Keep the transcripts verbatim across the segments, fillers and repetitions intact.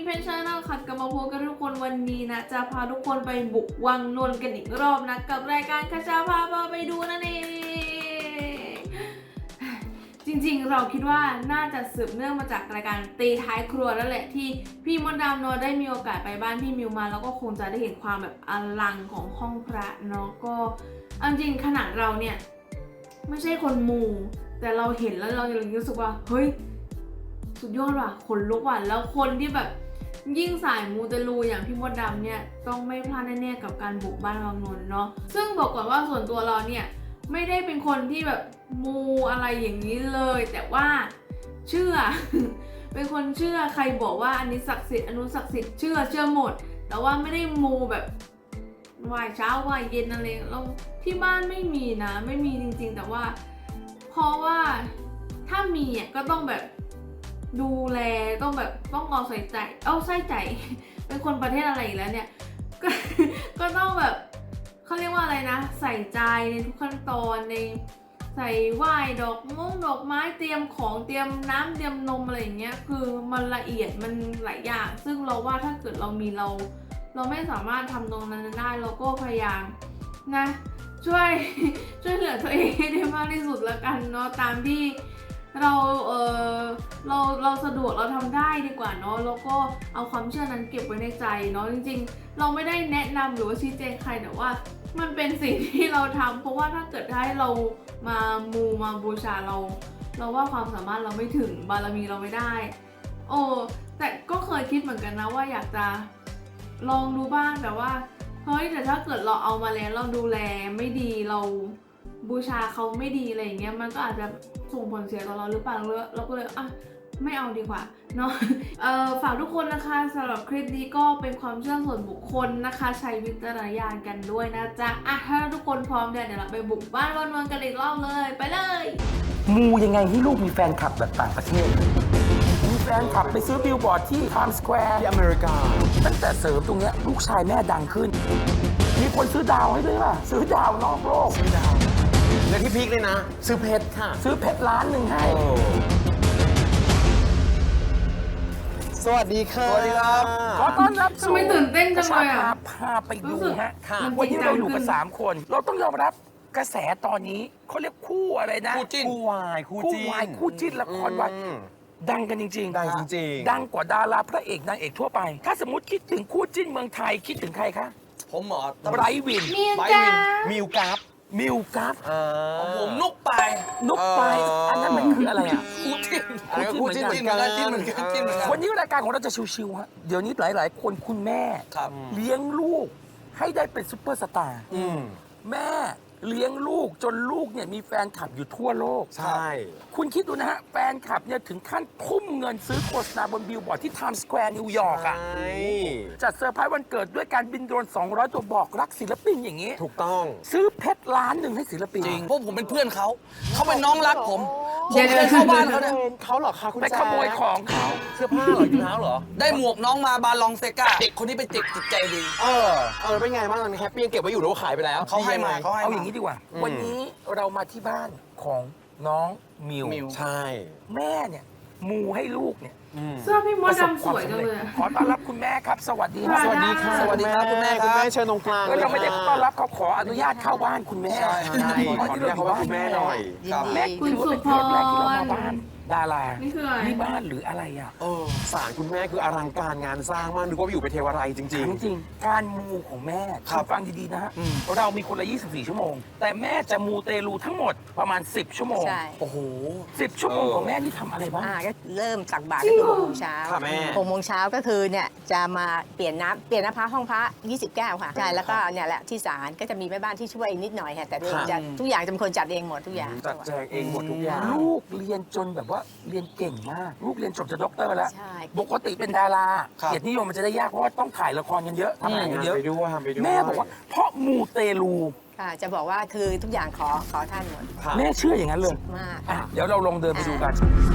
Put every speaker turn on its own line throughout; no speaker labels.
เพชรชาแนลค่ะกลับมาพบกันทุกคนวันนี้นะจะพาทุกคนไปบุกวังนนท์กันอีกรอบนะกับรายการคชาพาพาไปดูนั่นเองจริงๆเราคิดว่าน่าจะสืบเนื่องมาจากรายการตีท้ายครัวนั่นแหละที่พี่มดดำเนาะได้มีโอกาสไปบ้านพี่มิวมาแล้วก็คงจะได้เห็นความแบบอลังของห้องพระเนาะก็เอาจริงขนาดเราเนี่ยไม่ใช่คนมูแต่เราเห็นแล้วเรายังรู้สึกว่าเฮ้ยสุดยอดว่ะขนลุกว่ะแล้วคนที่แบบยิ่งสายมูเตลูอย่างพี่มดดำเนี่ยต้องไม่พลาดแน่ๆกับการบุกบ้านวังนนท์เนาะซึ่งบอกก่อนว่าส่วนตัวเราเนี่ยไม่ได้เป็นคนที่แบบมูอะไรอย่างนี้เลยแต่ว่าเชื่อ เป็นคนเชื่อใครบอกว่าอันนี้ศักดิ์สิทธิ์อันนู้นศักดิ์สิทธิ์เชื่อเชื่อหมดแต่ว่าไม่ได้มูแบบไหว้เช้าไหว้เย็นอะไรเราที่บ้านไม่มีนะไม่มีจริงๆแต่ว่าเพราะว่าถ้ามีอ่ะก็ต้องแบบดูแลต้องแบบต้องเอาใส่ใจเอาใส่ใจ เป็นคนประเทศอะไรอีกแล้วเนี่ย ก็ ก็ต้องแบบเขาเรียกว่าอะไรนะใส่ใจในทุกขั้นตอนในใส่ไหว้ดอกมงดอกไม้เตรียมของเตรียมน้ำเตรียมนมอะไรอย่างเงี้ยคือมันละเอียดมันหลายอย่างซึ่งเราว่าถ้าเกิดเรามีเราเราไม่สามารถทำตรงนั้นได้เราก็พยายามนะช่วย ช่วยเหลือตัวเองให้ได้มากที่สุดละกันเนาะตามที่เราเออเราเราสะดวกเราทำได้ดีกว่าเนาะแล้วก็เอาความเชื่อนั้นเก็บไว้ในใจเนาะจริงๆเราไม่ได้แนะนำหรือว่าชี้แจงใครแต่ว่ามันเป็นสิ่งที่เราทำเพราะว่าถ้าเกิดให้เรามามูมาบูชาเรา เราว่าความสามารถเราไม่ถึงบารมีเราไม่ได้โอ้แต่ก็เคยคิดเหมือนกันนะว่าอยากจะลองดูบ้างแต่ว่าเฮ้ยแต่ถ้าเกิดเราเอามาแล้วเราดูแลไม่ดีเราบูชาเขาไม่ดีอะไรอย่างเงี้ยมันก็อาจจะส่งผลเสียต่อเราหรือเปล่าเราก็เลยอ่ะไม่เอาดีกว่าเนาะ เอ่อฝากทุกคนนะคะสำหรับคลิปนี้ก็เป็นความเชื่อส่วนบุคคลนะคะใช้วิจารณญาณกันด้วยนะจ๊ะอ่ะถ้าทุกคนพร้อมเดี๋ยวเราไปบุกบ้านวันวันกันอีกรอบเลยไปเลย
มูยังไงให้ลูกมีแฟนคลับแบบต่างประเทศมีแฟนคลับไปซื้อบิลบอร์ดที่ไทม์สแควร์ที่อเมริกาตั้งแต่เสริมตรงเนี้ยลูกชายแม่ดังขึ้นมีคนซื้อดาวให้ด้วยป่ะซื้อดาวนอกโลกซื้อดาว
และที่พีคเลยนะซื้อเพชรค่ะ
ซื้อเพชรล้านหนึ่งให้
สวัสดีค่ะสวัสดีครับ
ขอต้อนรับ
ทำไมตื่นเต้นจังเลยอ่ะ
พาไปดูฮะวันนี้เราอยู่กันสามคนเราต้องยอมรับกระแสตอนนี้เขาเรียกคู่อะไรนะ
คู่จิ้นคู่วายคู่จิ้น
คู่วายคู่จิ้นละครวายดังกันจริงๆ
ดังจริง
ดังกว่าดาราพระเอกนางเอกทั่วไปถ้าสมมติคิดถึงคู่จิ้นเมืองไทยคิดถึงใครคะ
ผมหมอ
ไบรท์วิน
มิว
ไบร
กา
ท์วินมิวกราฟ
มิวกราฟ
ผมนุกไป
นุกไปอันนั้นมันคืออะไรอ่ะ
คู่จิ้นคู่จิ้นเหมือนกันจิ้นเหมือนกันจิ้นเหมือนกัน
วันนี้รายการของเราจะชิวๆฮะเดี๋ยวนี้หลายๆคนคุณแม่เลี้ยงลูกให้ได้เป็นซุปเปอร์สตาร์แม่เลี้ยงลูกจนลูกเนี่ยมีแฟนคลับอยู่ทั่วโลก
ใช่
คุณคิดดูนะฮะแฟนคลับเนี่ยถึงขั้นทุ่มเงินซื้อโฆษณาบนบิลบอร์ดที่ไทม์สแควร์นิวยอร์กอ่ะจัดเซอร์ไพรส์วันเกิดด้วยการบินโดรนสองร้อยตัวบอกรักศิลปินอย่างนี้
ถูกต้อง
ซื้อเพชรล้านหนึ่งให้ศิลปิน
จริงพวกผมเป็นเพื่อนเขาเขาเป็นน้องรักผมผมเคยเข้าบ้านเขาเนี่ยเขาเหรอคะคุณ
ไปขโมยของเขา
เสื้อผ้าเหรอถุงเท้าเหรอได้หมวกน้องมาบาลองเซกาเด็กคนนี้เป็นเด็กจิตใจดีเออเออเป็นไงบ้างตอนนี้แฮปปี้ยังเก็บไว้อยู่หรือว่าขายไปแล้วเขาให้มาเขาให้
เอาอย่างนี้ดีกว่าวันนี้เรามาที่บ้านของน้องมิว
ใช่
แม่เนี่ยมูให้ลูกเนี่ย
เสื้อพี่มดดำสวยจังเลย
ขอต้อนรับคุณแม่ครับสวัสดี
ครับ
สวัสดีค่ะสวัสดีครับคุณแม่คุณแม่เชิญตรงกลาง
แล้วเราไม่ได้ต้อนรับเขาขออนุญาตเข้าบ้านคุณแม่
ใช่ขออนุญาตเข้าบ้านคุณแม่หน่อย
แม่คือว่าเป็นครั้งแรกที่เรามาบ้านดารา
นี่คืออะไร
นี่บ้านหรืออะไรอ่ะ
เออศาลคุณแม่คืออลังการงานสร้างมากนึกว่าอยู่ไปเทวไรจริง
ๆจริงๆการมูของแม่คุณฟังดีๆนะฮะเรามีคนละยี่สิบสี่ชั่วโมงแต่แม่จะมูเตลูทั้งหมดประมาณสิบชั่วโมง
ใช่
โอ้โห
สิบชั่วโมงของแม่นี่ทำอะไรบ้าง
อ่าก็เริ่มตักบาตรก็คือหกโมงเช้า
ค่ะแม่
หกโมงเช้าก็คือเนี่ยจะมาเปลี่ยนน้ำเปลี่ยนน้ำพระห้องพระยี่สิบแก้วค่ะใช่แล้วก็เนี่ยแหละที่ศาลก็จะมีแม่บ้านที่ช่วยนิดหน่อยค่ะแต่จะทุกอย่างจะเป็นคนจัดเองหมดทุกอย่าง
จัดแจงเองหมดทุกอย่าง
ลูกเรียนจนแบบว่าเรียนเก่งมากลูกเรียนจบจากด็อกเตอร์แล้วปกติเป็นดาราเกียรตินิยมมันจะได้ยากเพราะว่าต้องถ่ายละครกันเยอะทำงานกันเยอะแม่บอกว่าเพราะมูเตลู
ค่ะจะบอกว่าคือทุกอย่างขอขอท่านหมด
แม่เชื่ออย่างนั้นเลย
มาก
เดี๋ยวเราลองเดินไปดูกัน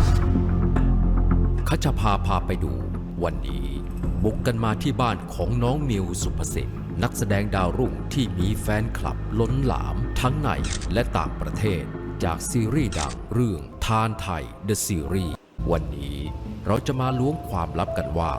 ขจาพาพาไปดูวันนี้บุกกันมาที่บ้านของน้องมิวสุภสิทธิ์นักแสดงดาวรุ่งที่มีแฟนคลับล้นหลามทั้งในและต่างประเทศจากซีรีส์ดังเรื่องทานไทย The Series วันนี้เราจะมาล้วงความลับกันว่า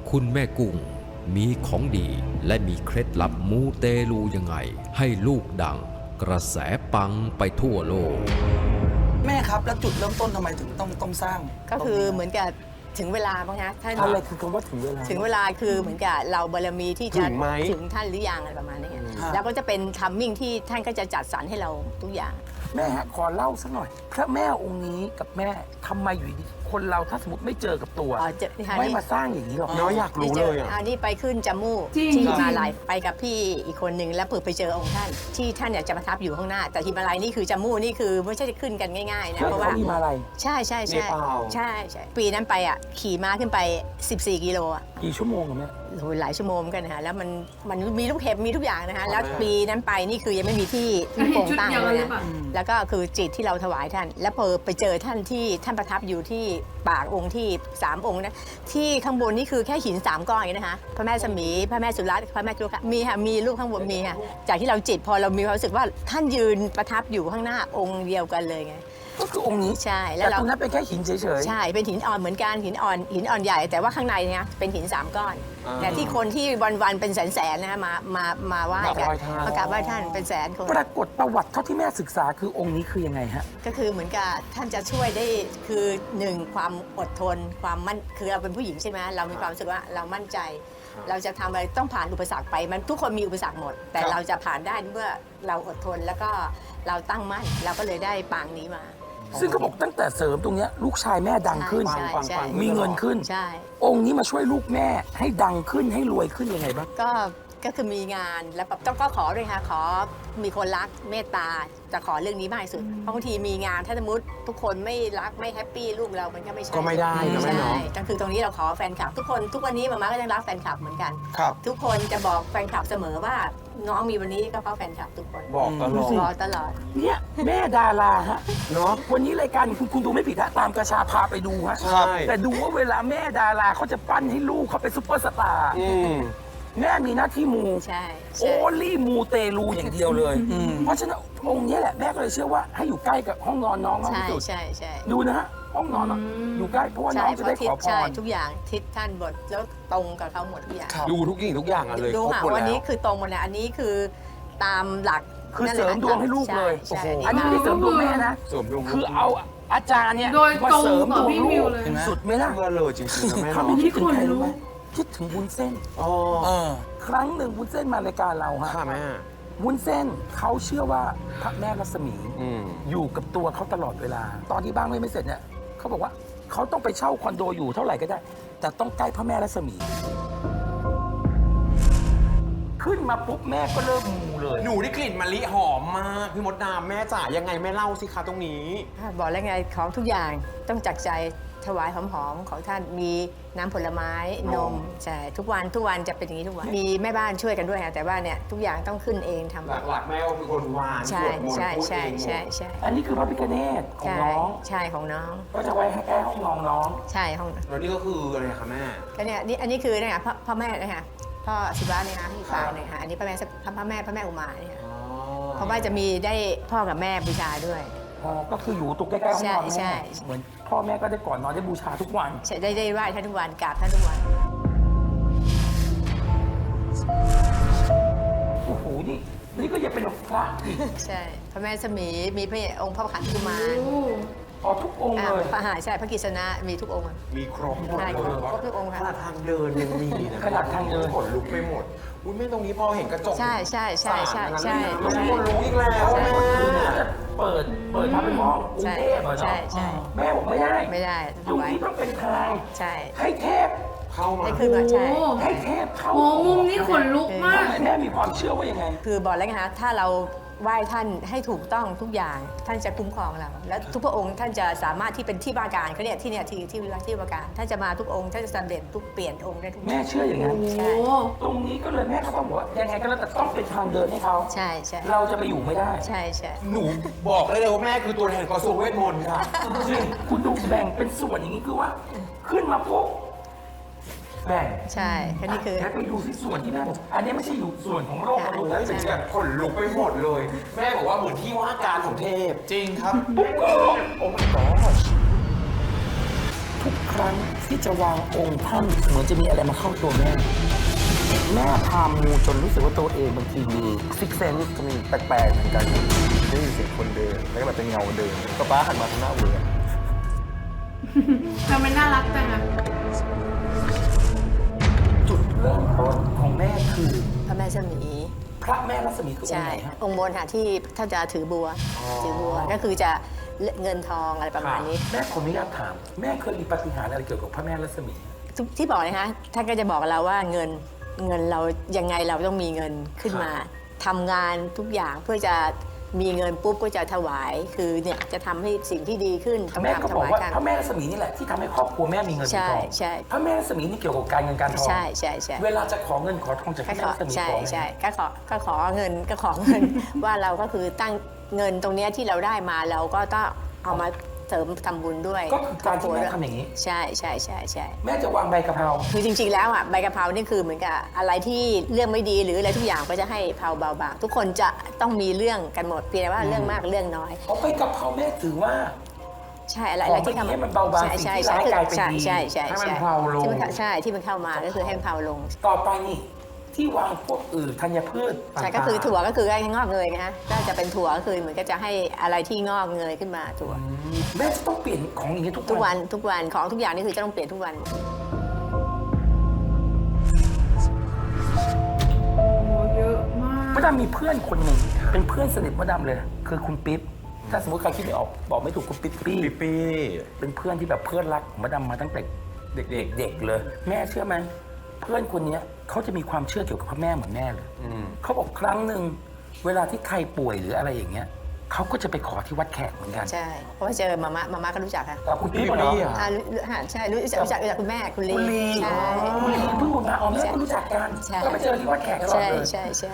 คุณแม่กุ้งมีของดีและมีเคล็ดลับมูเตลูยังไง ให้ลูกดังกระแสปังไปทั่วโลก
แม่ครับแล้วจุดเริ่มต้นทำไมถึงต้องต้องสร้าง
ก็คือเหมือนกับถึงเวลาบ้างฮะท่าน
อะไรคือคำว่าถึงเวลา
ถึงเวลาคือเหมือนกับเราบารมีที่จะ
ถึงไหม
ถึงท่านหรือยังอะไรประมาณนี้
ครับ
แล้วก็จะเป็นทัมมิ่งที่ท่านก็จะจัดสรรให้เราทุกอย่าง
แม่ฮะขอเล่าสักหน่อย พระแม่องค์นี้กับแม่ทำไมอยู่ดีคนเราถ้าสมมติไม่เจอกับตัว
อ๋อเจอนี่ค่ะ
ไม่
นี่
มาสร้างอย่างนี้หรอก
เนาะอยากรู้เลยอ่ะ
อันนี้ไปขึ้นจมูก
จริง
ที่
จริง
มาลายไปกับพี่อีกคนหนึ่งแล้วเปิดไปเจอองค์ท่าน ที่ท่านเนี่ยจะประทับอยู่ข้างหน้า แต่ฮิมาลัยนี่คือจมูกนี่คือไม่ใช่จะขึ้นกันง่ายๆนะ
เชื่อ
เพราะ
เขา
ว่า
มีมาอะไร
ใช่ใช่ใช่
เนปาล
ใช่ใช่ปีนั้นไปอ่ะขี่ม้าขึ้นไป สิบสี่ กิโลอ่ะ
กี่ชั่วโมงอะแม่
โอ้โหหลายชั่วโมงเหมือนกันนะคะแล้วมันมันมีลูกเห็บมีทุกอย่างนะคะแล้วปีนั้นไปนี่คือยังไม่มีที่ที่โป่ง
ชุด
ตั้ง
เดียว
เล
กัน
ย
หรือ
นะ
เปล่า
แล้วก็คือจิตที่เราถวายท่าน แล้วพอไปเจอท่านที่ท่านประทับอยู่ที่ปากองค์ที่สามองค์นะที่ข้างบนนี่คือแค่หินสามก้อนเองนะคะพระแม่สมีพระแม่สุรัตน์พระแม่จุฬามีค่ะมีรูปข้างบนมีค่ะจากที่เราจิตพอเรามีความรู้สึกว่าท่านยืนประทับอยู่ข้างหน้าองค์เดียวกันเลยไง
ก็คือองค์นี้
ใช่แล้
แต่
วเรา
ตรงนั้นเป็นแค่หินเฉย
ใช่ เป็นหินอ่อนเหมือนกันหินอ่อนหินอ่อนใหญ่ แต่ว่าข้างในเนี่ยเป็นหินสามก้อน
อ่า
แต่ที่คนที่วันๆเป็นแสนๆนะคะมามามาไหว้กัน
มากราบไหว้ท่าน
มากราบไหว้ท่านเป็นแสนคน
ๆ ปรากฏประวัติเท่าที่แม่ศึกษาคือองค์นี้คือยังไงฮะ
ก็คือเหมือนกับท่านจะช่วยได้คือหนึ่งความอดทนความมั่นคือเราเป็นผู้หญิงใช่ไหมเรามีความรู้สึกว่าเรามั่นใจ เราจะทำอะไรต้องผ่านอุปสรรคไปมันทุกคนมีอุปสรรคหมด แต่
ครับ
เราจะผ่านได้เมื่อเราอดทนแล้วก็เราตั้งมั่นเราก็เลยได้ปางนี้มา
ซึ่งเขาบอกตั้งแต่เสริมตรงเนี้ยลูกชายแม่ดังขึ้น
ใช่ใช่
มีเงินขึ้น
ใช่
องค์นี้มาช่วยลูกแม่ให้ดังขึ้นให้รวยขึ้นยังไงบ้าง
ก็ก็คือมีงานแล้วแบบต้องก็ขอด้วยค่ะขอมีคนรักเมตตาจะขอเรื่องนี้มากที่สุดเพราะบางทีมีงานถ้าสมมติทุกคนไม่รักไม่แฮปปี้ลูกเรามันก็ไม่ใช่
ก็ไม่ได้นะแม่
ใช่
เนาะ
ก็คือตรงนี้เราขอแฟนคลับ ทุกคนทุกวันนี้มาม่าก็ยังรักแฟนคลับเหมือนกัน
ครับ
ทุกคนจะบอกแฟนคลับเสมอว่าน้องมีวันนี้ก็เพราะแฟนคลับทุกคน
บอกตลอด
รอตลอด
เนี่ยแม่ดาราฮะ
เนาะ
วันนี้รายการคุณคุณดูไม่ผิดฮะตามกระชาพาไปดูฮะ
ใช่
แต่ดูว่าเวลาแม่ดาราเขาจะปั้นให้ลูกเขาเป็นซุปเปอร์สตาร์
อืม
แม่มีหน้าที่มู
ใช่
โอ
ใช่
ลี่มูเตลูอย่างเดียวเลย
อืม
เพราะฉะนั้นองค์เนี้ยแหละแม่ก็เลยเชื่อว่าให้อยู่ใกล้กับห้องนอนน้องมาก
ใช่
ที่สุด
ใช่ใช่
ดูนะฮะห้องนอนน้องอยู่ใกล้เพราะว่าน้
ใช่
องจะ
เพ
ได้
ราะ
ข
ทิศ
อพ
ใช่
ร
ทุกอย่างทิศท่านบทแล้วตรงกับเขาหมดทุกอย่าง
ดูทุกอย่างทุกอย่างอะเลย
ดู
ครบ
ค่ะ
หมด
วัน
แล้
นี้
ว
คือตรงหมดเลยอันนี้คือตามหลัก
คือ
นั่น
เส
แห
ริ
ละ
มดวงให้ลูกเลย
ใช่
โอ้โห
อันนี้ไม่ได้เสริมดวงแม่นะ
สวมดวง
คือเอาอาจารย์เนี่ย
โดย
มา
ตรง
เสริม
กับ
ดวง
พี่
ลู
มิว
ก
เลย
เห็นไหม
สุดไหมล่ะ
เพื่อเลยจริงๆนะแม่
เขา
เนาะ
ไม่คิดถึงใครรู้ไหมคิดถึงวุ้นเส้น
อ๋อ
ครั้งหนึ่งวุ้นเส้นมารายการเราฮะ
ค่ะแม่
วุ้นเส้นเขาเชื่อว่าพระแม่รัศมี
อืม
อยู่กับตัวเขาตลอดเวลา ตอนที่บ้านไม่เสร็จเนี่ยเขาบอกว่าเขาต้องไปเช่าคอนโดอยู่เท่าไหร่ก็ได้ แต่ต้องใกล้พระแม่รัศมี ขึ้นมาปุ๊บแม่ก็เริ่มมูเลย
หนูได้กลิ่นมะลิหอมมากพี่มดดามแม่จ๋ายังไงแม่เล่าสิคะตรงนี้
บอกแล้วไงของทุกอย่างต้องจักใจถวายหอมๆของท่านมีน้ำผลไม้นมใช่ทุกวันทุกวันจะเป็นอย่างนี้ทุกวันมีแม่บ้านช่วยกันด้วยค่ะแต่ว่าเนี่ยทุกอย่างต้องขึ้นเองทำ
หลักๆแม่ก็คือคนวาน
ใช่
สวดมนต์
ใช่
พูด
ใช่
เองหมด
ใช่ใช่
อันนี้คือพระพิฆเนศของ
ใช่
น้อง
ใช่ของน้อง
ก็จะไว้ให้แก้ห้องนอนน้อง
ใช่ของ
แล้วนี่ก็คืออะไรคะแม่
ก็เนี่ยนี่อันนี้คือเนี่ยค่ะพ่อพ่อแม่นะคะพ่อศิวะเนี่ยนะที่ปางเนี่ยค่ะอันนี้พระแม่พระแม่พระแม่อุมาเนี่ยค่ะเพราะว่าจะมีได้พ่อกับแม่บูชาด้วย
อ๋อก็คืออยู่ตรงใกล้ๆห้องนอน
ใช่
แม่
ใช่
เหมือนพ่อแม่ก็ได้ก่อนนอนได้บูชาทุกวัน
ใช่ได้ได้ไหว้ท่านทุกวันกราบท่านทุกวัน
โอ้โหนี่นี่ก็ยังเป็นพระอีก
ใช่พระแม่สมีมีพระองค์พระขันธุมาร
โอ้
อ๋อทุกองค์
อ่า
เลย
พระหาใช่พระกิษณะมีทุกองค์อะ
มีครบหมด
ใช่
เลย
ครบทุกองค์ค่ะ
ขนาดทางเดินยังมีนะ
ขนาดทางเดิน
ขนลุกไปหมดอุ้ยแม่ตรงนี้พอเห็นกระจก
ใช่ใช่ใช่ใช่ใช่
มัน
ใช่
ขนลุกอีกแล้ว
ใช่
แม่
คือน่าจะเปิดเปิดทำเป็นห้องกรุง
ใช่
เทพเหรอ
ใช่
เนาะ
ใช่
แม่บอกไม่ได้
ไม่ได้
ตรง
ไว้
นี้ต้องเป็นทาง
ใช่
ให้เทพ
เข้ามา
ให้ขึ้นมาใช่
ให้เทพเข้า
โหมุมนี้ขนลุกมาก
แม่มีความเชื่อว่ายังไง
คือบอกแล้วไงคะถ้าเราไหว้ท่านให้ถูกต้องทุกอย่างท่านจะคุ้มครองเรา และทุกพระองค์ท่านจะสามารถที่เป็นที่ว่าการเขาเนี่ยที่เนี่ยที่ที่ที่ว่าการท่านจะมาทุกองค์ท่านจะสำเร็จทุกเปลี่ยนองค์ได้ทุก
แม่เชื่ออย่างนั้น
ใช่
โอ้
ตรงนี้ก็เลยแม่ก็ต้องบอกว่ายังไงก็แล้วแต่ต้องเป็นทางเดินให้เขา
ใช่ใช่
เราจะไปอยู่ไม่ได้
ใช่ใช่
หนูบอกได้เลยว่าแม่คือตัวแทนกระทรวงเวทมนต์ค่ะ
จริงคุณดูแบ่งเป็นส่วนอย่างนี้คือว่า ขึ้นมาปุ๊บแบ่ง
ใช่แค่นี้คือ
แล้วไปดูที่ส่วนที่แม่บอกอันนี้ไม่ใช่อยู่ส่วนของโลกมนุษย์
แล้
แล้ว ว
ถึงแบบขนลุกไปหมดเลย แม่บอกว่าเหมือนที่ว่าการของเทพ จริงครับ
ปุ๊บก็โอ้ my god ทุกคครั้งที่จะวางองค์ท่านเหมือนจะมีอะไรมาเข้าตัวแม่ แม่พามูจนรู้สึกว่าตัวเองบางทีมีซิกเซนส์
ก็มีแปลกๆเหมือนกันได้ยินเสียงคนเดินแล้วก็แบบเป็นเงาเดินก็ป้าหันมาทางหน้าเวอร์
ทำไมน่ารักจังอะ
จุดเริ่มต้นของแม่คือ
พระแม่สมี
พระแม่รัศมีคือองค์
ใช่
ไหนฮะ
องค์บนค่ะที่ท่านจะถือบัวถือบัวก็คือจะเงินทองอะไรประมาณนี้
แม่ขออนุญาตถาม แม่เคยมีปาฏิหาริย์อะไรเกี่ยวกับพระแม่รัศมี
ทุกที่บอกนะคะท่านก็จะบอกกับเราว่าเงินเงินเรายังไงเราต้องมีเงินขึ้นมาทำงานทุกอย่างเพื่อจะมีเงินปุ๊บก็จะถวาย คือเนี่ยจะทำให้สิ่งที่ดีขึ้นต้อง
แม่ก็
ทำถ
บอก
วาย
ว่า
ท่าน
พระแม่รัศมีนี่แหละที่ทำให้ครอบครัวแม่มีเงินมี
ใช่
ทอง
ใช่
พระแม่รัศมีนี่เกี่ยวกับการเงินการทอง
ใช่ใช่ใช่
เวลาจะขอเงินขอทองจากพ
ก็
ระแม่
ขอ
รัศมี
ใช่
ขอไหม
ใช่ก็ขอก็ขอเงินก็ขอเงิน ว่าเราก็คือตั้งเงินตรงเนี้ยที่เราได้มาเราก็ต้องเอามาเสริมทำบุญด้วย
ก็คือการที่แม่ทำอย่างนี้
ใช่ใช่ใช่ใช่
แม่จะวางใบกะเพรา
คือจริงๆ แล้วอ่ะใบกะเพรานี่คือเหมือนกับอะไรที่เรื่องไม่ดีหรืออะไรทุกอย่างก็จะให้เผาเบาบางทุกคนจะต้องมีเรื่องกันหมดเพียงแต่ว่าเรื่องมากเรื่องน้อย
เอาใบกะเพราแม่ถือว่า
ใช่อะไร
ข
อะไร
อง
ที่
ให้มันเบาบาง
ใช่
สิ่ง
ใช่
ที่
ใช่
ร้ายกลายเป็น
ใช่
ดี
ใช่ใช่
ให้มัน
ใช่
เบาลง
ที่มันเข้าใช่ที่มันเข้ามาก็คือให้มันเผาลง
ต่อไปนี่ที่วางพวกอื่นธัญพืช
ใช่ก็คือถั่วก็คือให้งอกเงยนะฮะก็จะเป็นถั่วก็คือเหมือนก็จะให้อะไรที่งอกเงยขึ้นมาถั่ว
แม่จะต้องเปลี่ยนของอย่างนี้ทุก
ทุก
วั
วัน นทุกวันของทุกอย่างนี่คือจะต้องเปลี่ยนทุกวัน
โอ้เยอะมาก
มดดำมีเพื่อนคนหนึ่งเป็นเพื่อนสนิทมดดำเลย คือคุณปิ๊บถ้าสมมติใครคิดไม่ออกบอกไม่ถูกคุณปิ๊บปี้
ปีปี
เป็นเพื่อนที่แบบเพื่อนรักของมดดำมาตั้งแต่เด็กๆเด็กเลย แม่เชื่อไหมเพื่อนคนเนี้ยเขาจะมีความเชื่อเกี่ยวกับพระแม่เหมือนแม่เลยเขาบอกครั้งหนึ่งเวลาที่ใครป่วยหรืออะไรอย่างเงี้ยเขาก็จะไปขอที่วัดแขกเหมือนกัน
ใช่เพราะว่าเจอมาม่ามาม่าก็รู้จักค่ะ
แต่คุณ
ปี
ปิ๊บ
ปี
เหรอ
อ่ะ
อ่ารู้อ่าใช่รู้จักรู้จักรู้จักคุณแม่คุณลี
คุณลี
ใช่
คุณลีเพิ่งบุญมาเอาแม่ก็รู้จักกัน
ใช่
ก็ไปเจอที่วัดแขกตลอด
ใช่
เลย
ใช่ใช่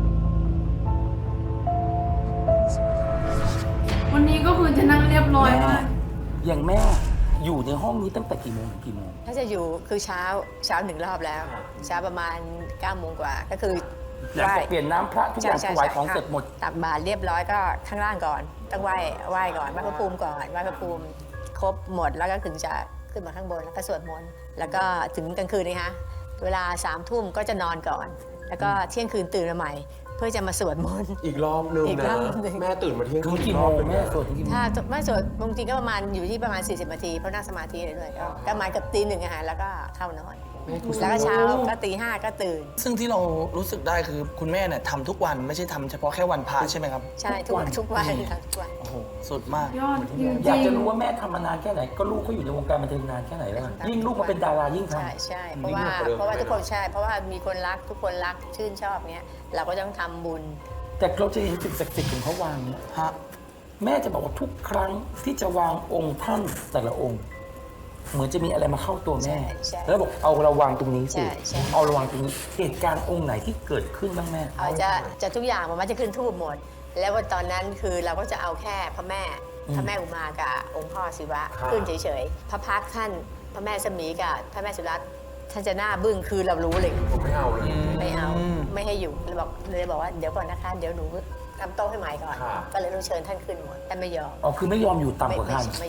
วันนี้ก็คือจะนั่งเรียบร้อย
แม่
มาก
อย่างแม่อยู่ในห้องนี้ตั้งแต่กี่โมงถึงกี่โมง
ถ้าจะอยู่คือเช้าเช้าหนึ่งรอบแล้ว เช้าประมาณ9ก้าโมงกว่าก็คือ
หลังจากเปลี่ยนน้ำพระทุกอย่างถวายของเสร็จหมด
ตักบาตรเรียบร้อยก็ข้างล่างก่อน ต้องไหว้ไหว้ก่อนไหว้พระภูมิก่อนไหว้พระภูมิครบหมดแล้วก็ถึงจะขึ้นมาข้างบนแล้วก็สวดมนต์แล้วก็ถึงกลางคืนนะคะเวลาสามทุ่มก็จะนอนก่อน แล้วก็เที่ยงคืนตื่นมาใหม่ เพื่อจะมาสวดมนต์
อีกรอบนึง
อีกร
นะ
อบนึง
แม่ตื่นมาเที่ยง
ถึ
คื
ง
น
กี่
อี
โม
รอบ
ง
นึง
แม่สวดถึงกี่โมง
ถ้าไม่สวดบางทีก็ประมาณอยู่ที่ประมาณ สี่สิบ นาทีเพราะนั่งสมาธิเลยด้วยก็ก็ประมาณเกับตีหนึ่งอะค่ะแล้วก็เข้านอนแล้วก็เช้าก็ตีห้าก็ตื่น
ซึ่งที่เรารู้สึกได้คือคุณแม่เนี่ยทำทุกวันไม่ใช่ทำเฉพาะแค่วันพระใช่ไหมครับ
ใช่ทุกวันทุกวันค่ะทุกวัน
โอ้โห สุดมาก
ยอดจริง
อยากจะรู้ว่าแม่ทำมานานแค่ไหน ก็ลูกเขาอยู่ในวงการบันเทิงนานแค่ไหนแล้วอะยิ่งลูกมาเป็นดารายิ่งท
ใช่ใช่เพราะว่าเพราะว่าทุกคนใช่ เพราะว่ามีคนรักทุกคนรักชื่นชอบเนี้ยเราก็ต้องทำบุญ
ำแต่เราจะเห็นสิ่งศักดิ์สิทธิ์ของเขาวางเนี่ย
ฮะ
แม่จะบอกว่าทุกครั้งที่จะวางองค์ท่านแต่ละองค์ เหมือนจะมีอะไรมาเข้าตัวแม่
ใช่ใช่
แล้วบอกเอาระวางตรงนี้สิ
ใช่ใช่
เอาระวางตรงนี้เหตุการณ์องค์ไหนที่เกิดขึ้นบ้างแม่
เอาจะจะทุกอย่างมันจะขึ้นทูบหมด แล้ววันตอนนั้นคือเราก็จะเอาแค่พระแม่ พระแม่อุมากับองค์พ่อศิวะขึ้นเฉยๆพระพักตร์ท่านพระแม่สมีกับพระแม่สุรัตน์ท่านจะหน้าบึ้งคือเรารู้เลย
ผมไม่เอาเลย
ไม่เอา
อืม
ไม่ให้อยู่เลยบอกเลยบอกว่าเดี๋ยวก่อนนะคะ เดี๋ยวหนูทำโต๊ะให้ใหม่ก่อน
ค่ะ
ก็เลยต้องเชิญท่านขึ้นหมดท่านไม่ยอม
อ๋อคือไม่ยอมอยู่ต่ำ
ไม่
กว่า
ไม่
ท่าน
ไม่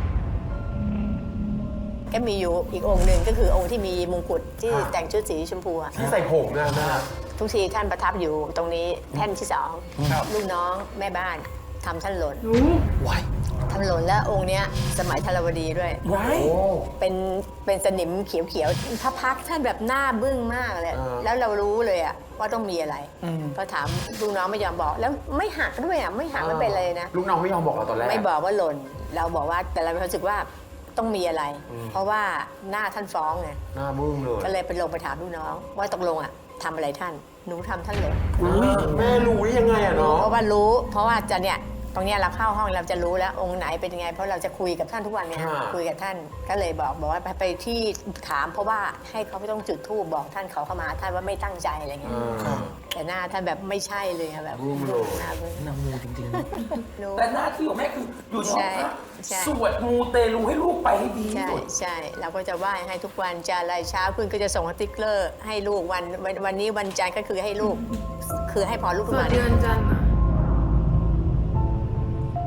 ก็มีอยู่อีกองค์หนึ่งก็คือองค์ที่มีมงกุฎที่แต่งชุดสีชมพูอะ
ที่ใส่ผมนะแม่
ทุกทีท่านประทับอยู่ตรงนี้แท่นที่สอง
ครับ
ลูกน้องแม่บ้านทำท่านหล่น
รู้
ไว้
ทำหล่นแล้วองค์เนี้ยสมัยธรวดีด้วย
ไว้
โอ้
เป็นเป็นสนิมเขียวๆพระพักตร์ท่านแบบหน้าบึ้งมากเลย
เออ
แล้วเรารู้เลยอะว่าต้องมีอะไรพอถามลูกน้องไม่ยอมบอก แล้วไม่หักด้วยอะไม่หักไม่เป็นเลยนะ
ลูกน้องไม่ยอมบอกเราตอนแรก
ไม่บอกว่าหล่น เราบอกว่าแต่เรารู้สึกว่าต้องมีอะไร เพราะว่าหน้าท่านฟ้องไง
หน้ามึงเลย
ก็เลยไปลงไปถามลูกน้อง ว่าตกลงอะทำอะไรท่านหนูทำท่านหล่น
แม่รู้ได้ยังไงอะเนาะ
เพราะว่ารู้ เพราะว่าจะเนี่ยตรงเนี้ยเราเข้าห้องเราจะรู้แล้วองค์ไหนเป็นยังไง เพราะเราจะคุยกับท่านทุกวันเนี่ย
อ่า
คุยกับท่านก็เลยบอกบอกว่าไปไปที่ถาม เพราะว่าให้เขาไม่ต้องจุดธูปบอกท่านเขาเข้ามาท่านว่าไม่ตั้งใจอะไรเงี้ย
อ่า
แต่หน้าท่านแบบไม่ใช่เลยอะแบบ
บึ้งเลย
หน้าบึ้ง
นางมูจริงๆนะ
รู้
แต่หน้าที่ของแม่คืออยู่ในห้องพระ
ใช่ใช่
สวดมูเตลูให้ลูกไปให้ดีที่
ใช่
สุด
ใช่เราก็จะไหว้ให้ทุกวันจะอะไรเช้าขึ้นก็จะส่งสติ๊กเกอร์ให้ลูกวันวันวันนี้วันจันทร์ก็คือให้ลูก คือให้พอลูก
ส
ขึ้น
วด
มา
เดือนจันทร์อะ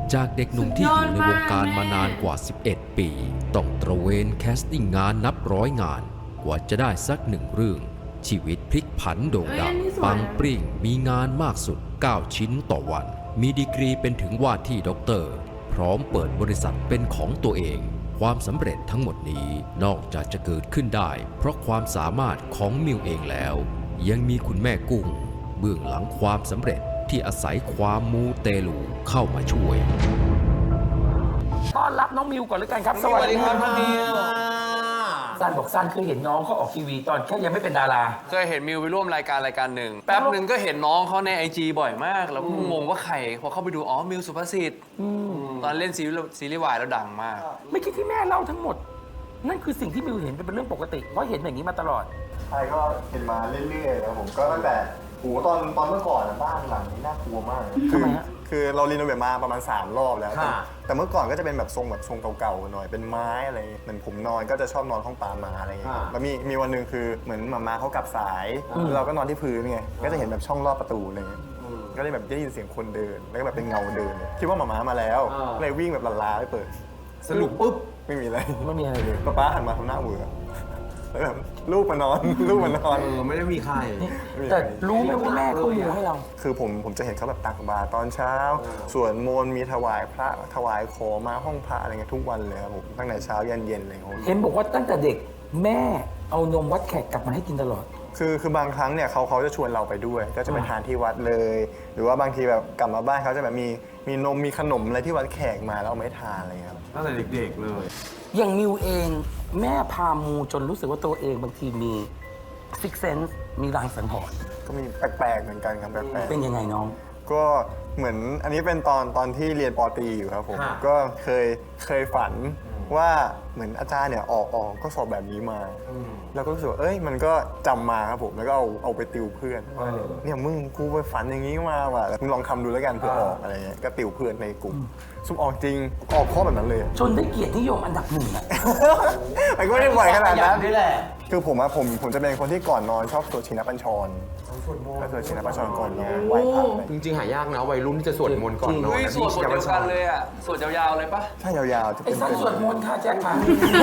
จากเด็กหนุ่มที่อยู่ในวงการมานานกว่า สิบเอ็ด ปี ต้องตระเวนแคสติ้งงานนับร้อยงาน กว่าจะได้สักหนึ่งเรื่อง ชีวิตพลิกผันโด่งดัง ปังปริ่งมีงานมากสุด เก้า ชิ้นต่อวัน มีดีกรีเป็นถึงว่าที่ด็อกเตอร์ พร้อมเปิดบริษัทเป็นของตัวเอง ความสำเร็จทั้งหมดนี้นอกจากจะเกิดขึ้นได้ เพราะความสามารถของมิวเองแล้ว ยังมีคุณแม่กุ้งเบื้องหลังความสำเร็จที่อาศัยความมูเตลูเข้ามาช่วย
ต้อนรับน้องมิวก่อนเลยกันครับ
สวัสดีครับน้องมิว
ซันบอกซันเคยเห็นน้องเขาออกทีวีตอนแค่ยังไม่เป็นดารา
เคยเห็นมิวไปร่วมรายการรายการหนึ่งแป๊บหนึ่งก็เห็นน้องเขาในไอจีบ่อยมาก แล้วก็งงว่าใครพอเข้าไปดูอ๋อมิวสุภาษิตตอนเล่นซีรีส์ซีรีส์วายแล้วดังมาก
ไม่คิดที่แม่เล่าทั้งหมด นั่นคือสิ่งที่มิวเห็นเป็นเรื่องปกติ เพราะเห็นอย่างนี้มาตลอด
ใช่ก็เห็นมาเรื่อยๆแล้วผมก็ตั้งแต่โหตอนตอนเมื่อก่อนอะบ้านหลังนี้น่ากลัวมากเลย
ทำไมฮะ
คือเรารีโนเวทมาประมาณสามรอบแล้วแต่
ค่ะ
แต่เมื่อก่อนก็จะเป็นแบบทรงแบบทรงเก่าๆหน่อยเป็นไม้อะไรเหมือนผมนอนก็จะชอบนอนห้องปามาอะไรอย่างเงี้ยแล้วมีมีวันหนึ่งคือเหมือนมาม่าเขากลับสายเราก็นอนที่พื้นไงก็จะเห็นแบบช่องรอบประตูอะไรเงี้ยก็เลยแบบได้ยินเสียงคนเดินแล้วก็แบบเป็นเงาเดินเลยคิดว่ามาม่ามาแล้วเลยวิ่งแบบลาๆไปเปิด สรุปปุ๊บไม่มีอะไร
ไม่มีอะไรเลย
ป๊าป๊าหันมาทำหน้าเวอร์แล้วแบบลูกมานอน ลูกมานอน
เออไม่ได้มีใคร
ไม่มี
แต่
ใคร
รู้ไหมว่าแม่เขามูให้เรา
คือผมผมจะเห็นเขาแบบตักบาตรตอนเช้า ส่วนมนต์มีถวายพระถวายขอมาห้องพระอะไรเงี้ยทุกวันเลยครับผมตั้งแต่เช้ายันเย็นเลยครับ
เห็นบอกว่าตั้งแต่เด็กแม่เอานมวัดแขกกลับมาให้กินตลอด
คือคือบางครั้งเนี่ยเขาเขาจะชวนเราไปด้วย ก็จะไปทานที่วัดเลย หรือว่าบางทีแบบกลับมาบ้านเขาจะแบบมีมีนมมีขนมอะไรที่วัดแขกมาแล้วเอาไม่ทานอะไรเงี้ยครับ
ตั้งแต่เด็กๆเลย
อย่างมิวเองแม่พามูจนรู้สึกว่าตัวเองบางทีมีซิกเซนส์มีรางสังหรณ์
ก็มีแปลกๆเหมือนกันครับแปลกๆ
เป็นยังไงน้อง
ก็เหมือนอันนี้เป็นตอนตอนที่เรียนปอตรีอยู่ครับผม
ค่ะ
ก็เคยเคยฝันว่าเหมือนอาจารย์เนี่ยออกออกก็สอบแบบนี้มา แล้วก็รู้สึกว่าเอ้ยมันก็จำมาครับผมแล้วก็เอาเอาไปติวเพื่อนว่าเนี่ยมึงกูไปฝันอย่างนี้มาว่ะมึงลองทำดูแล้วกันเพื่อออกอะไรเงี้ยก็ติวเพื่อนในกลุ่มซุ่มออกจริงออกข้อแบบนั้นเลย
จนได้เกียรตินิยมอันดับหนึ่งอะ
มันก็ไม่ได้บ่อยขนาดนั้น
นี่แหละ
คือผมอะผมผมจะเป็นคนที่ก่อนนอนชอบสวดชินบัญชรก็สวดชินบัญชรก่อนนอนไหว้พระอะไร
จริงๆ หายากนะวัยรุ่นที่จะสวดมนต์ก่อนนอน
เฮ้ย
นะ
สวดบทเดียวกันเลยอ่ะสวดยาวๆเลยปะ
ถ้ายาวๆจะ
ไอ้
เป็น
สันสวดมนต์ค่ะแจ็คค่ะ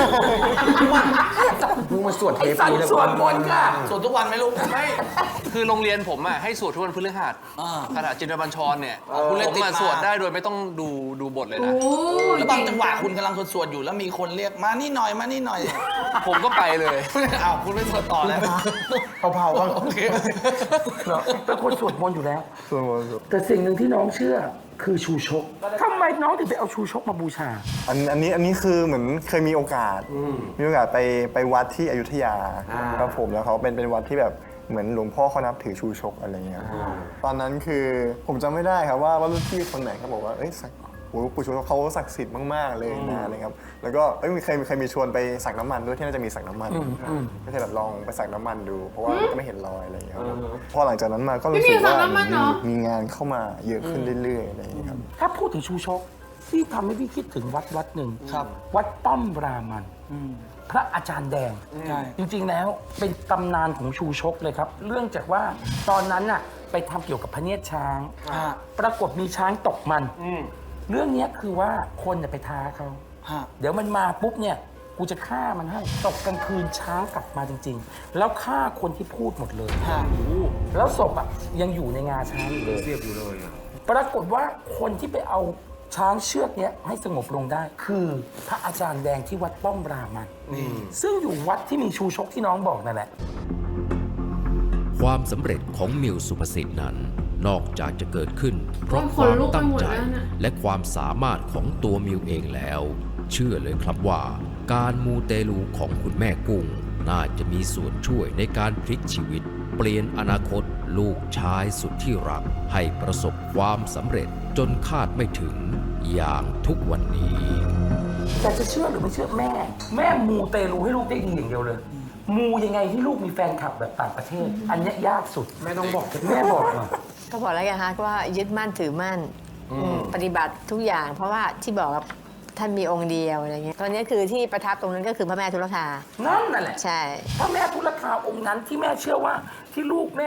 มึงมาสวดเท
ไอ้
ป
สัน
นี้เลย
สวดมนต์ค่ะ
สวดทุกวันไหมลูกไม่คือโรงเรียนผมอ่ะให้สวดทุกวันพฤหัสคาถาจินตบัญชรเนี่ยผมมาสวดได้โดยไม่ต้องดูดูบทเลยนะ
โอ้
แล้วบางจังหวะคุณกำลังสวดๆอยู่แล้วมีคนเรียกมานี่หน่อยมานี่หน่อย
ผมก็ไปเลย
อ้าวคุณไม่สวดต่อแล้ว
เผาๆบ้าง
โอเค
เหรอเป็นคนสวดมนต์อยู่แล้ว
สวดมนต์
แต่สิ่งหนึ่งที่น้องเชื่อคือชูชกทำไมน้องถึงไปเอาชูชกมาบูชา
อันอันนี้อันนี้คือเหมือนเคยมีโอกาส มีโอกาสไปไปวัดที่อยุธยาครับผมแล้วเขาเป็นเป็นวัดที่แบบเหมือนหลวงพ่อเขานับถือชูชกอะไรเงี้ยตอนนั้นคือผมจำไม่ได้ครับว่าว่ารุ่นพี่คนไหนเขาบอกว่าเอ้ยสักโอ้โหปู่ชูชกเขาศักดิ์สิทธิ์มากๆเลยนะอะไรครับแล้วก็เอ้ยมีเคยมีเคยมีชวนไปสักน้ำมันด้วยที่น่าจะมีสักน้ำมันก็เลยแบบลองไปสักน้ำมันดู เพราะว่าก็ไม่เห็นรอยอะไรอย่างเงี้ยครับพอหลังจากนั้นมาก็รู้สึกว่ามีมีงานเข้ามาเยอะขึ้นเรื่อยๆอะไรอย่างเงี้ยครับ
ถ้าพูดถึงชูชกที่ทำให้พี่คิดถึงวัดวัดหนึ่ง
ครับ
วัดป้อมรามัน พระอาจารย์แดง
ใช่
จริงๆแล้วเป็นตำนานของชูชกเลยครับ เรื่องจากว่าตอนนั้นน่ะไปทำเกี่ยวกับพระเนียดช้าง
ฮะ
ปรากฏมีช้างตกมัน เรื่องเนี้ยคือว่าคนเนี่ยไปท้าเขา
ฮะ
เดี๋ยวมันมาปุ๊บเนี่ยกูจะฆ่ามันให้ตกกลางคืนช้างกลับมาจริง ๆ แล้วฆ่าคนที่พูดหมดเลย
ฮะ
แล้วศพอ่ะยังอยู่ในงาช้างอยู่เลย
เรียบอยู่เลยอะ
ปรากฏว่าคนที่ไปเอาช้างเชือกเนี้ยให้สงบลงได้ คือพระอาจารย์แดงที่วัดป้อมรามันซึ่งอยู่วัดที่มีชูชกที่น้องบอกนั่นแหละ
ความสำเร็จของมิวสุภสิทธิ์นั้น นอกจากจะเกิดขึ้น เพราะความตั้งใจและความสามารถของตัวมิวเองแล้ว เชื่อเลยครับว่า การมูเตลูของคุณแม่กุ้ง น่าจะมีส่วนช่วยในการพลิกชีวิต เปลี่ยนอนาคตลูกชายสุดที่รัก ให้ประสบความสำเร็จจนคาดไม่ถึงอย่างทุกวันนี้
แต่จะเชื่อหรือไม่เชื่อแม่ แม่มูเตลูให้ลูกได้ดีอย่างเดียวเลย มูยังไงให้ลูกมีแฟนคลับแบบต่างประเทศ อันเนี้ยยากสุดแม่ต้องบอกแม่บอกหน่อย
ก็บอกแล้วไงฮะว่ายึดมั่นถือมั่นอืมปฏิบัติทุกอย่าง เพราะว่าที่บอกว่าท่านมีองค์เดียวอะไรเงี้ยตอนนี้คือที่ประทับตรงนั้นก็คือพระแม่ทุลคา
นั่นนั่นแหละ
ใช่
พระแม่ทุลคาองค์นั้นที่แม่เชื่อว่าที่ลูกแม่เนี่ย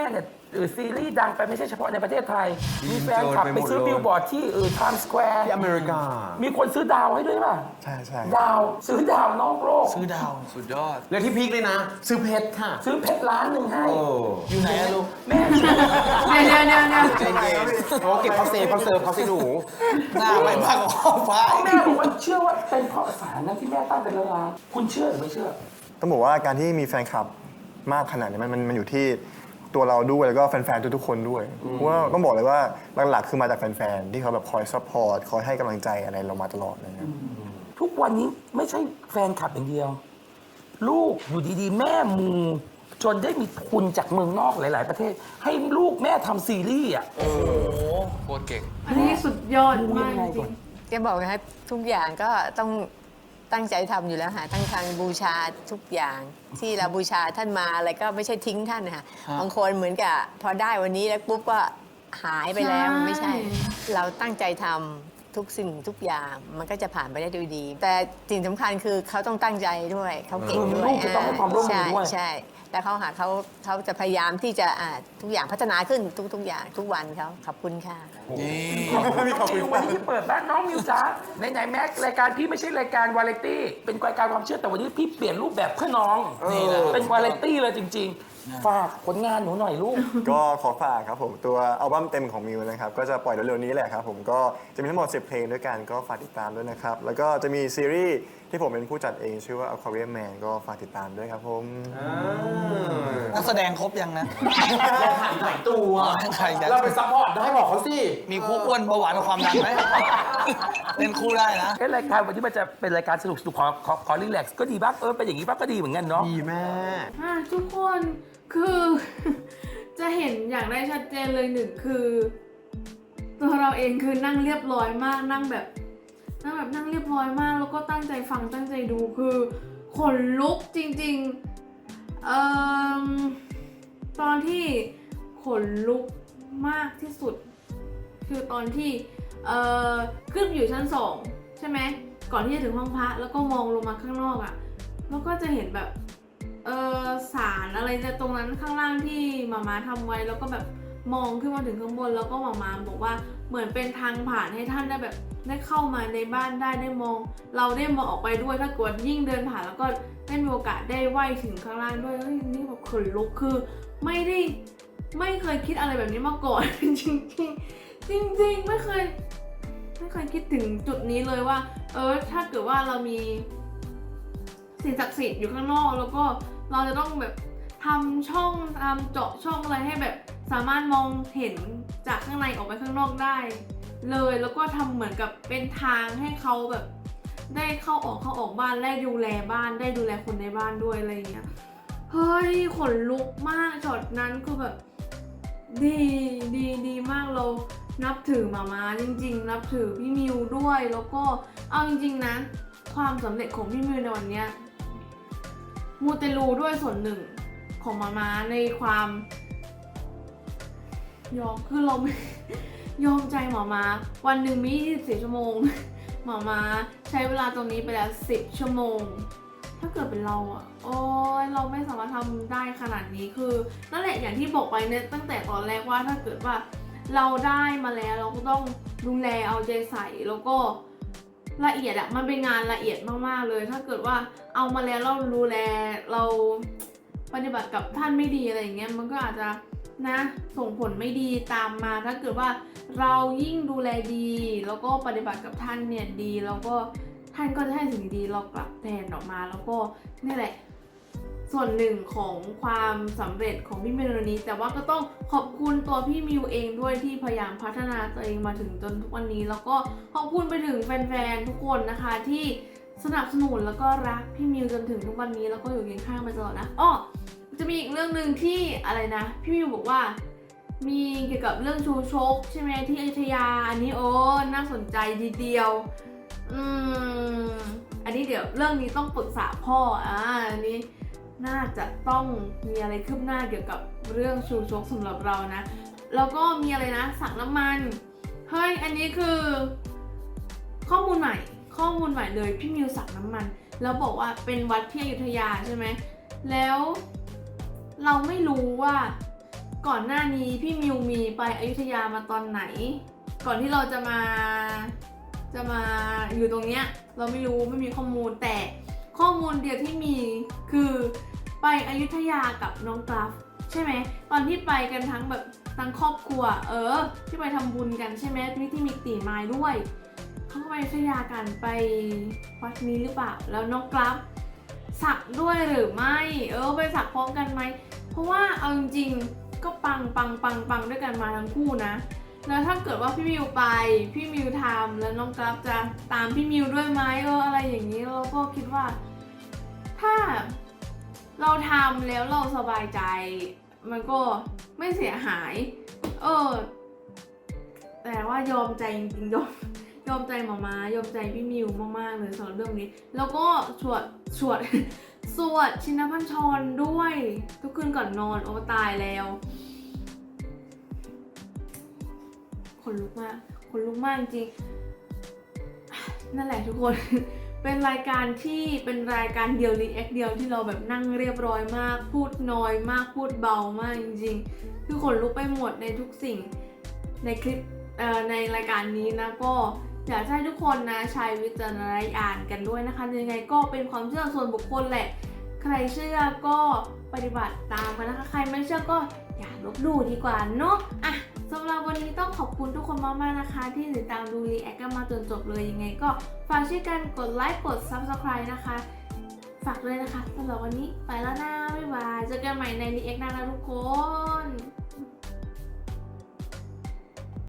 เออซีรีส์ดังไปไม่ใช่เฉพาะในประเทศไทย มีแฟนคลับไปซื้อบิลบอร์ดที่เออไทม์สแควร์
ที่อเมริกา
มีคนซื้อดาวให้ด้วยป่ะ
ใช่ใช่
ดาวซื้อดาวนอกโลก
ซื้อดาว
สุดยอด
และที่พีคเลยนะ ซื้อเพชรค่ะ
ซื้อเพชรล้านหนึ่งให้
โอ้
อยู่ไหนอะลูก
แม่เชื่อ
เดี๋ยวเดี๋ยวเดี๋ยวเดี๋ยว
ใจเย็นโอ้เก็บเขาเซฟเขาเซิร์ฟเขาสิหนู
หน้าไปมากกว่าห้องฟ้า
แม่บอกว่าเชื่อว่าเป็นเพราะสารนั้นที่แม่ตั้งเป็นล้านคุณเชื่อหรือไม่เชื่อ
ต้องบอกว่าการที่มีแฟนคลับมากขนาดนี้มันมันมันอยู่ที่ตัวเราด้วยแล้วก็แฟนๆทุกๆคนด้วยเพราะว่าต้องบอกเลยว่าหลักๆคือมาจากแฟนๆที่เขาแบบคอยซัพพอร์ตคอยให้กำลังใจอะไรเรามาตลอดอะไรเลย
ทุกวันนี้ไม่ใช่แฟนคลับอย่างเดียว ลูกอยู่ดีๆ แม่มูจนได้มีทุนจากเมืองนอกหลาย ๆ ประเทศ ให้ลูกแม่ทำซีรีส์อ่ะ
โคตรเก่ง
อันนี้สุดยอดมากจริง
จะบอกนะคะทุกอย่างก็ต้องตั้งใจทำอยู่แล้วค่ะตั้งทางบูชาทุกอย่างที่เราบูชาท่านมาอะไรก็ไม่ใช่ทิ้งท่านนะคะบางคนเหมือนกับพอได้วันนี้แล้วปุ๊บก็หายไปแล้ว
ใช่
ไม่ใช่ เราตั้งใจทำทุกสิ่งทุกอย่างมันก็จะผ่านไปได้ด้วยดี แต่สิ่งสำคัญคือเขาต้องตั้งใจด้วยเขาเก่งด้วย
ลูกจะต้องให้ความร่วมมือด้วย
ใช่ใช่แล้วเขาหาเขาเขาจะพยายามที่จะอ่าทุกอย่างพัฒนาขึ้นทุกทุกอย่างทุกวันเขาขอบคุณค่ะ
ขอบคุณวันนี้ที่เปิดบ้านน้องมิวจ้าไหนๆแม็กรายการพี่ไม่ใช่รายการวาไรตี้เป็นรายการความเชื่อแต่วันนี้พี่เปลี่ยนรูปแบบเพื่อน้องนี่แหละเป็นวาไรตี้เลยจริง ๆ ฝากผลงานหนูหน่อยลูก
ก็ขอฝากครับผมตัวอัลบั้มเต็มของมิวนะครับก็จะปล่อยเร็วๆนี้แหละครับผมก็จะมีทั้งหมดสิบเพลงด้วยกันก็ฝากติดตามด้วยนะครับแล้วก็จะมีซีรีส์ที่ผมเป็นผู้จัดเองชื่อว่า Aquarium Man ก็ฝากติดตามด้วยครับผม
นักแสดงครบยังนะ
หลายตัว
ใครจะ
เราไปซัพพอร์ตได้บอกเขาสิ
มีคู่อ้วนเบาหวานกับความดันไหมเล่นคู่ได้นะ
เอ้รายการวันนี้มันจะเป็นรายการสนุกสนุกขอขอขอรีแลกซ์ก็ดีบ้างเออเป็นอย่างนี้บ้างก็ดีเหมือนกันเนาะ
ดีแม่
อ่ะทุกคนคือ จะเห็นอย่างได้ชัดเจนเลยหนึ่งคือ ตัวเราเองคือนั่งเรียบร้อยมากนั่งแบบนั่งแบบนั่งเรียบร้อยมาก แล้วก็ตั้งใจฟังตั้งใจดูคือขนลุกจริงๆเอ่อตอนที่ขนลุกมากที่สุด คือตอนที่เอ่อขึ้นอยู่ชั้นสองใช่ไหมก่อนที่จะถึงห้องพระแล้วก็มองลงมาข้างนอกอะ่ะแล้วก็จะเห็นแบบเออสารอะไรจะตรงนั้นข้างล่างที่หมาม้าทำไว้แล้วก็แบบมองขึ้นมาถึงข้างบนแล้วก็หมาม้าบอกว่าเหมือนเป็นทางผ่านให้ท่านได้แบบได้เข้ามาในบ้านได้ได้มอง เราได้มองออกไปด้วยถ้าเกิดยิ่งเดินผ่านแล้วก็ได้มีโอกาสได้ไหว้ถึงข้างล่างด้วยเฮ้ยนี่แบบขนลุกคือไม่ได้ไม่เคยคิดอะไรแบบนี้มาก่อน จริงๆจริงๆไม่เคยไม่เคยคิดถึงจุดนี้เลยว่าเออถ้าเกิดว่าเรามีสิ่งศักดิ์สิทธิ์อยู่ข้างนอกแล้วก็เราจะต้องแบบทำช่องทำเจาะช่องอะไรให้แบบสามารถมองเห็นจากข้างในออกไปข้างนอกได้เลยแล้วก็ทำเหมือนกับเป็นทางให้เขาแบบได้เข้าออกเข้าออกบ้านได้ดูแลบ้านได้ดูแลคนในบ้านด้วยอะไรอย่างเงี้ยเฮ้ยขนลุกมากช็อตนั้นคือแบบดีดีดีมากเรานับถือหมาม้าจริงๆนับถือพี่มิวด้วยแล้วก็เอาจริงๆนะความสำเร็จของพี่มิวในวันเนี้ยมูเตลูด้วยส่วนหนึ่งของหมาม้าในความยอมคือเราไม่ ยอมใจหมอมาวันหนึ่งมียี่สิบสี่ชั่วโมง หมอมาใช้เวลาตรงนี้ไปแล้วสิบชั่วโมง ถ้าเกิดเป็นเราอะโอ้ยเราไม่สามารถทำได้ขนาดนี้คือนั่นแหละอย่างที่บอกไปเนี่ยตั้งแต่ตอนแรกว่าถ้าเกิดว่าเราได้มาแล้วเราก็ต้องดูแลเอาใจใส่แล้วก็ละเอียดอะมันเป็นงานละเอียดมากๆเลย ถ้าเกิดว่าเอามาแล้วเราดูแลเราปฏิบัติกับท่านไม่ดีอะไรอย่างเงี้ยมันก็อาจจะนะส่งผลไม่ดีตามมาถ้าเกิดว่าเรายิ่งดูแลดีแล้วก็ปฏิบัติกับท่านเนี่ยดีแล้วก็ท่านก็จะให้สิ่งดีๆเรากลับแทนออกมาแล้วก็นี่แหละส่วนหนึ่งของความสำเร็จของพี่มิวนี้แต่ว่าก็ต้องขอบคุณตัวพี่มิวเองด้วยที่พยายามพัฒนาตัวเองมาถึงจนทุกวันนี้แล้วก็ขอบคุณไปถึงแฟนๆทุกคนนะคะที่สนับสนุนแล้วก็รักพี่มิวจนถึงทุกวันนี้แล้วก็อยู่เคียงข้างมาตลอดนะอ้อจะมีอีกเรื่องหนึ่งที่อะไรนะพี่มิวบอกว่ามีเกี่ยวกับเรื่องชูชกใช่ไหมที่อยุธยาอันนี้โอ้น่าสนใจทีเดียวอืมอันนี้เดี๋ยวเรื่องนี้ต้องปรึกษาพ่ออ่าอันนี้น่าจะต้องมีอะไรคืบหน้าเกี่ยวกับเรื่องชูชกสำหรับเรานะแล้วก็มีอะไรนะสักน้ำมันเฮ้ยอันนี้คือข้อมูลใหม่ข้อมูลใหม่เลยพี่มิวสักน้ำมันแล้วบอกว่าเป็นวัดที่อยุธยาใช่ไหมแล้วเราไม่รู้ว่าก่อนหน้านี้พี่มิวมีไปอยุธยามาตอนไหน ก่อนที่เราจะมาจะมาอยู่ตรงเนี้ยเราไม่รู้ไม่มีข้อมูลแต่ข้อมูลเดียวที่มีคือไปอยุธยากับน้องกราฟใช่ไหมตอนที่ไปกันทั้งแบบทั้งครอบครัวเออที่ไปทำบุญกันใช่ไหมที่ที่มีตีไม้ด้วยเขาก็ไปอยุธยากันไปวัดนี้หรือเปล่าแล้วน้องกราฟสักด้วยหรือไม่เออไปสักพร้อมกันไหมเพราะว่าเอาจริงๆก็ปังปังปังปังด้วยกันมาทั้งคู่นะแล้วถ้าเกิดว่าพี่มิวไปพี่มิวทำแล้วน้องกราฟจะตามพี่มิวด้วยไหมเอออะไรอย่างนี้เราก็คิดว่าถ้าเราทำแล้วเราสบายใจมันก็ไม่เสียหายเออแต่ว่ายอมใจจริงๆยอมยอมใจหมามายอมใจพี่มิวมากๆเลยสำหรับเรื่องนี้แล้วก็สวดสวด สวดชินบัญชรด้วยทุกคืนก่อนนอนโอ้ตายแล้วคนลุกมากคนลุกมากจริงนั่นแหละทุกคน เป็นรายการที่เป็นรายการเดียวรีแอคเดียวที่เราแบบนั่งเรียบร้อยมากพูดน้อยมากพูดเบามากจริงๆคือขนลุกไปหมดในทุกสิ่งในคลิปเอ่อในรายการนี้นะก็อยากให้ทุกคนนะใช้วิจารณญาณกันด้วยนะคะยังไงก็เป็นความเชื่อส่วนบุคคลแหละใครเชื่อก็ปฏิบัติตามกันนะคะใครไม่เชื่อก็อย่าลบหลู่ดีกว่าเนาะอ่ะสำหรับวันนี้ต้องขอบคุณทุกคนมากๆนะคะที่ติดตามดูรีแอคกันมาจนจบเลยยังไงก็ฝากช่วยกันกดไลค์กด ซับสไครบ์ นะคะฝากเลยนะคะสำหรับวันนี้ไปแล้วนะบ๊ายบายเจอกันใหม่ในรีแอคหน้านะทุกคน